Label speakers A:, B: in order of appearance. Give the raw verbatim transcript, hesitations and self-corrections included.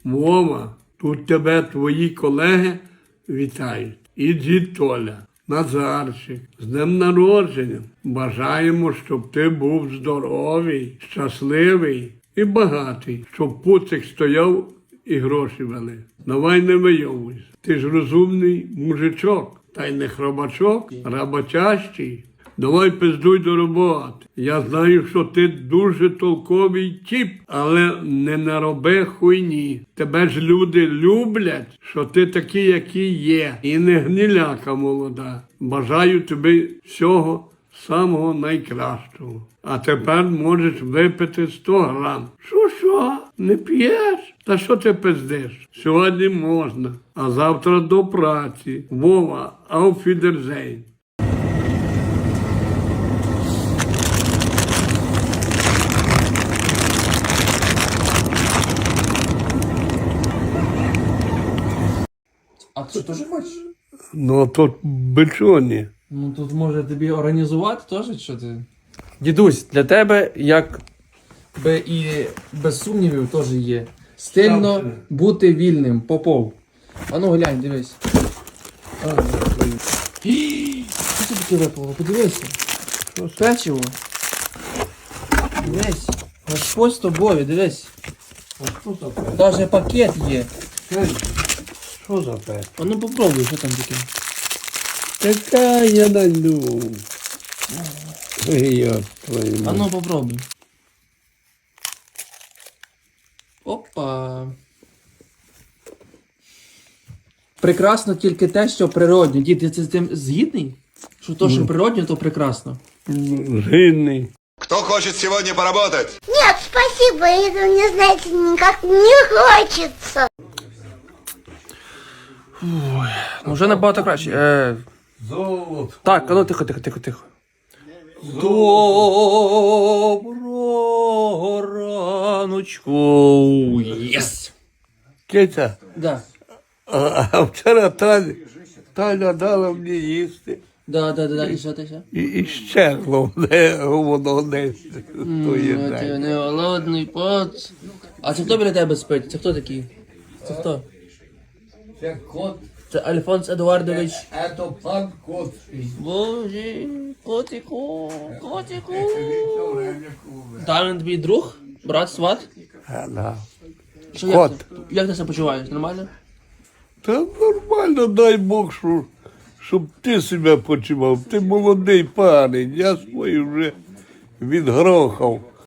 A: Вова, тут тебе твої колеги вітають. І дід Толя, Назарчик, з днем народження. Бажаємо, щоб ти був здоровий, щасливий і багатий, щоб пуцик стояв і гроші вели. Давай не вийовуйся. Ти ж розумний мужичок, та й не хробачок, роботящий. Давай пиздуй до роботи. Я знаю, що ти дуже толковий тіп, але не нароби хуйні. Тебе ж люди люблять, що ти такий, який є. І не гниляка молода. Бажаю тобі всього самого найкращого. А тепер можеш випити сто грам. Що-що? Не п'єш? Та що ти пиздиш? Сьогодні можна, а завтра до праці. Вова, auf Wiedersehen.
B: А ти теж хочеш?
A: Ну, а тут бичоні.
B: Ну тут може тобі організувати теж, що ти. Дідусь, для тебе, як би і без сумнівів теж є. Стильно бути вільним, Попов. А ну глянь, дивись. Ій, що це таке випало? Подивися. Печиво. Дивись. Господь з тобою, дивись.
A: А що за пес?
B: Даже пакет є.
A: Що за пес?
B: А ну попробуй, що там таке.
A: Така я найду. Ой, я твою
B: А
A: мать.
B: ну попробуй. Опа. Прекрасно тільки те, що природньо. Дід, ти з цим згідний? Що то, що природньо, то прекрасно.
A: Жирний.
C: Кто хочет сегодня поработать?
D: Нет, спасибо, это мне, знаете, никак не хочется.
B: Ну, вже набагато краще. Е,
A: Золото.
B: так, а ну тихо, тихо, тихо, тихо. Доброго раночку. Єс!
A: Киця,
B: Да.
A: а, а вчора Таля, Таля дала мені їсти.
B: Да, да, да, да, і що ти ще?
A: І, і щезло де воно десь. То є
B: Ну, ти не голодний пац. А це хто біля тебе спить? Це хто такий? Це хто?
A: Це кот,
B: Це Альфонс Едуардович.
A: це пан кот.
B: Боже, котику, котику. Та він твій друг? Брат, сват? Що, як,
A: Кот.
B: ти, як ти себе почуваєш? Нормально?
A: Та нормально, дай Бог, що, щоб ти себе почував. Ти молодий парень, я свої вже відгрохав.